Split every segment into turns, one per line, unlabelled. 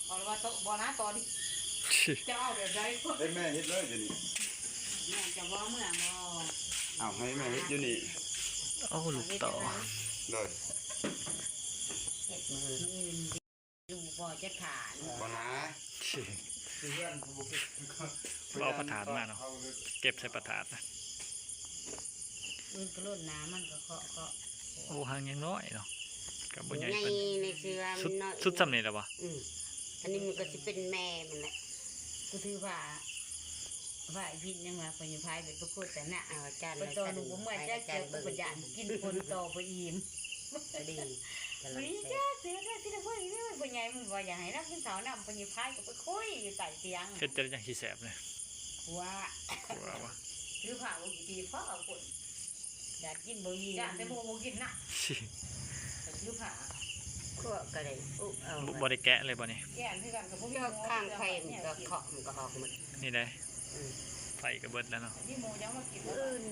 เอาว่าโตบ่นะตอนนี้จะเอาแบบใด
ให้แม่เฮ็ดเลยอยู่นี่
แม่จะว่าเมื่อบ่
เอาให้แม่เฮ็ดอยู่นี่
โอ้ลูกต่อ
เลย
เฮ็ดมือดูบ่จะฐาน
บ่นะ
เอาประถานมาเนาะเก็บใส่ประถานนะ
มือกระโดดน้ำมันก็เคาะ
โอ้หางยังน้อยเนาะกับบนใหญ่
ใน
เป็น
ในเสื้อ
สุ
มั
ด
นน้อย
สุดสำเร็จแล้วปะ
อันนี้มันก็สิเป็นแม่มันแหละก็ถือว่าไอ้พิษยังว่าปัญญาพายเป็นประกวดแต่น่ะอาจารย์ไปต่อหนูผมเมื่อจะเจอปัญญากินคนต่อไปอิ่มดีวันนี้จ้าเสือได้ที่ละคนนี่ปัญญามันว่าอยากให้นักขึ้นเสาหน้าปัญญาพายก็ไปคุยอยู่ใต้เตียง
เฮ็ดจะได้อย่างที่แสบเลย
ว่า
ว่า
ถือผ้าบุกีตีฟ้าเอาคนอยากกินบุกีอยากแต่โมกินน่ะถือผ้าก็ได้อุ๊เอา
บริแกะเลยบ่นี่
แก่คือกันกับพวกข้างไฟมันก็เคาะมันก็ออกหมด
นี่ได้ไฟกระเบิดแล้วเนาะ
นี่โมยังมากิน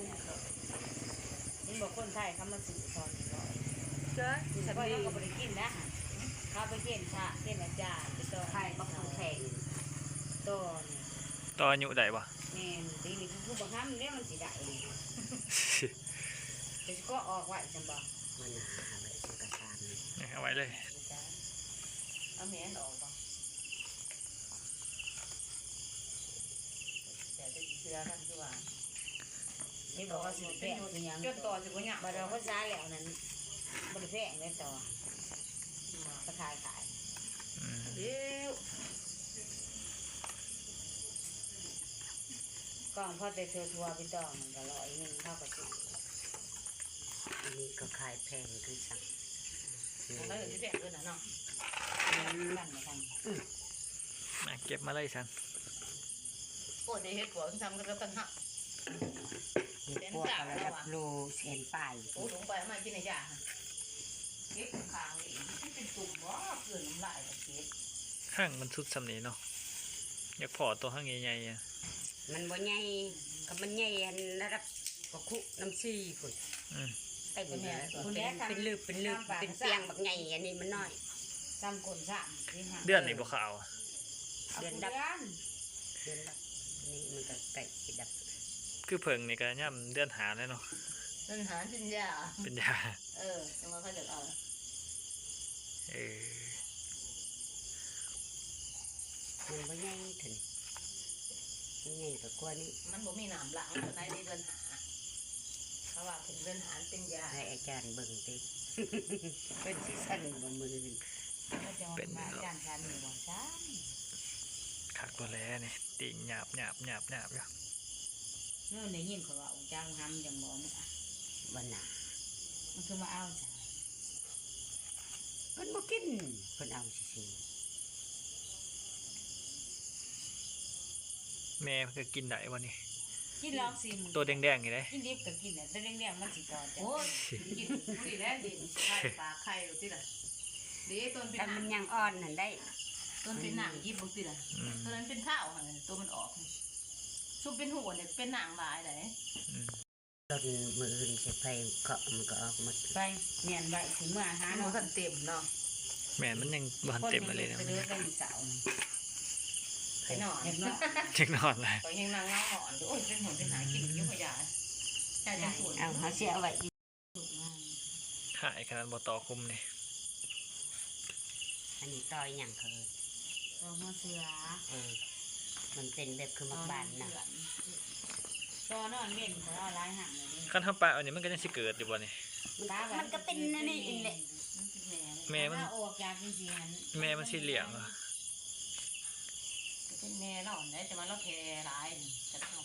นี่บอกคนไทยเขามาสื่อตอนนี้เจ้าแต่ว่าเขาก็ไม่ได้กินนะเขาไปเกณฑ์พระเกณฑ์อาจารย์ไปต่อไทยมาแข่งต้น
ต่ออายุได้ปะ
แม่ตีนี่คือบังคับเนี่ยมันสิได้แต่ก็ออกไว้จังบ่มันหาไว้สังกษาน
นี่เอาไว้เลย
เอาแม่นออกบ่แต่จะเชื่อกันคือว่านี่บอกว่าสิแปะคือหยังจนต่อสิบ่หยังบ่เราก็ซ้าแล้วนั้นบ่ได้แพงเลยต่อก็ขายเดี๋ยวกล่องพอแต่เธอทัวร์ไปต่อมันก็100เท่ากับสิอันนี้ก็ขายแพงคือสั่งแล้วสิแพงด้วยนะเนาะ
มาเก็บมาเลยฉัน
โอ้ยเฮ็ดหัวทำกันแล้วกันฮะเส้นจ่าแล้วอ่ะโลเส้นปลายโอ้ถุงไปมากินไหนจ้าเก็บข้างนี่เป็นตุ่มบ่เกินน้ำลายเก็บ
ข้างมันสุดสำเนีเนาะอยากพอตัวข้างใหญ่ๆอ่ะ
มันบ่ใหญ่ก็มันใหญ่ระดับก็คุน้ำซีพุ่นไอ้คนนี้เป็นลืบเป็นเปียงบักใหญ่อันนี้มันน้อยซ้ำคนซ้ำ
เดือนนี่บ่ขาว
เดือนดับนี่มันก็ไก่ดับ
คือเพิ่งนี่ก็ย่ำเดือนหาแล้วเนาะ
เดือนหาเป็นยา
เป็นยา
จะมาเขาจะเอามันบ่ใหญ่ถึงมันใหญ่กว่ากว่านี้มันบ่มีน้ำหลังในเดือนหาเพราะว่าเป็นเดือนหาเป็นยาให้อาจารย์เบิ่งติเป็นที่สั้นบ่มือเป็นอาจารย์การนี่บ่ซ้ำ
ขักตัวแล้วนี่ติ่งหยาบอยู่
เมื่อในยินเขาว่าองค์จ้างทำอย่างบ่มึงอ่ะวันหนามันคือมาเอาจ้ะเพิ่นบ่กินเพิ่นเอาซื่อ
แม่ก็กินได้วันนี้
กินลองสิ
ตัวแดงๆนี่เลย
กินดิบก็กินแต่แดงๆมันสิต่อจ้ะโอ้ยกินดีแล้วดิไข่ปลาไข่ติล่ะดีต้นเป็นมันยังอ่อนนั่นได้ต้นเป็นหนังยิบบ่ติล่ะตัวนั้นเป็นข้าวหั่นตัวมันออกซุปเป็นหัวเนี่ยเป็นหนังหลายได้ต้นมืออื่นสิไปเคาะมันก็ออกหมดไปเนียนไว้ถึงเมื่อหาเนาะมันเต็มเนาะ
แม่มันยังบานเต็มมาเลยนะ
ไปเดือดได้เสาไปนอนเนาะ
ยังนอนเลย
ไปยังนางเงาหอนโอ้ยเป็นหัวเป็นหายกินยุ่งยาใช่ใช่เอาเขาเสียเอาไว้
หายขนาดบ่ต่อคุมนี่
อันนี้ต่อยอย่างเคยต่อหัวเสือมันเป็นแบบคือมักบานนะต่อนอนเล่นเขาเอาลายห่างเลย
ขั้นทำปลาอันนี้มันก็ยังสิเกิดอยู่บ่นี่
มันก็เป็นนั่นนี่แหละแม่มันออกจากจริงๆ
แม่มันสีเหลืองอ่ะ
เป็นแม่เราเนี่ยแต่ว่าเราแค่ร้ายจะเอา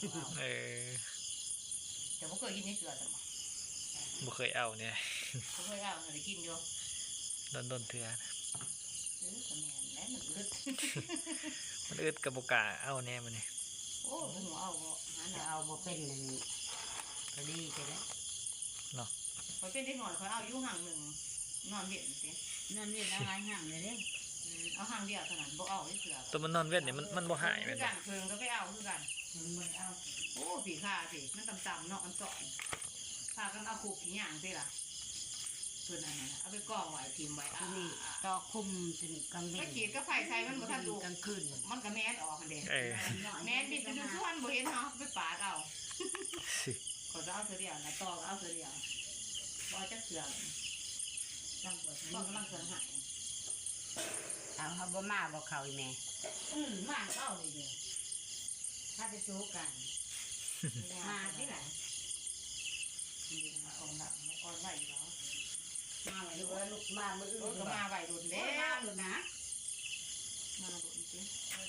แต่ว่าเคยกินนี่เกลือจัง
บ่เคยเอาเนี่ย
เขาเคยเอาเคยกินอยู่
โดนเถื่อ
แม่มันอึด
มันอึดกับบ่กล้าเอาแน่มันนี่
โอ้หัวเอาบ่เป็นนั่นก็ดีใช่ไหม
เนาะ
เขาเป็นได้หอนเขาเอาอยู่ห่างหนึ่งนอนเวียนสินอนเวียนเอาหลายห่างเลยเด้เอาห่างเดียวเท่านั้นบ่เอาได้เสือ
ตัวมันนอนเวทเนี่ยมันบ่หาย
คื
แม่
อน กันเพิงก็ไปเอาคือกันมันเอาโอ้ผีข้าสิมันต่ำๆเนาะมันสอนข้ากันเอาขู่ผีหยางสิล่ะพื่อนอันนั้นเอาไปกองไว้พิมพ์ไว้
ที่นี่ต่อคุมจนกลางเว้
ไม่
น
ขีดก็ไฟใส่มันบ่ทันดู
กลางคืน
มันก็แม่นออกกันเด้
เออ
แม่นดิจะดูส่วนบ่เห็นเนาะไปปาดเอาก็จะเอาเสือเดียวนะต่อก็เอาเสือเดียวบ่จักเสือจังบ่ต้องกำลังเสือหาย
เอาเขาบ่มาบ่เขาอีแม่
มาเข้าเลยเด้อ
ถ้าไปสู้กัน
มาที่ไหนนี่มาออนหลังออนไว้แล้ว
มาไว้ดูว่าลูกมามื้ออื่น
ก็มาไว้โดน
เด้
แล้
มาว เลยนะ
มาโดนจริง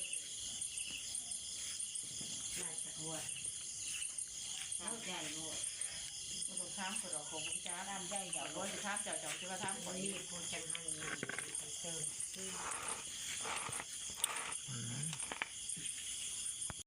มาจากหัวเอาใหญ่โลด
ก็ต้องถามก็ดอกของจ้าดำใหญ่เดี๋ยวบ่สิถามเจ้าสิว่าถาม
ค
ข่อน ย
นี้ผู้จังหันนี่เติม
อืม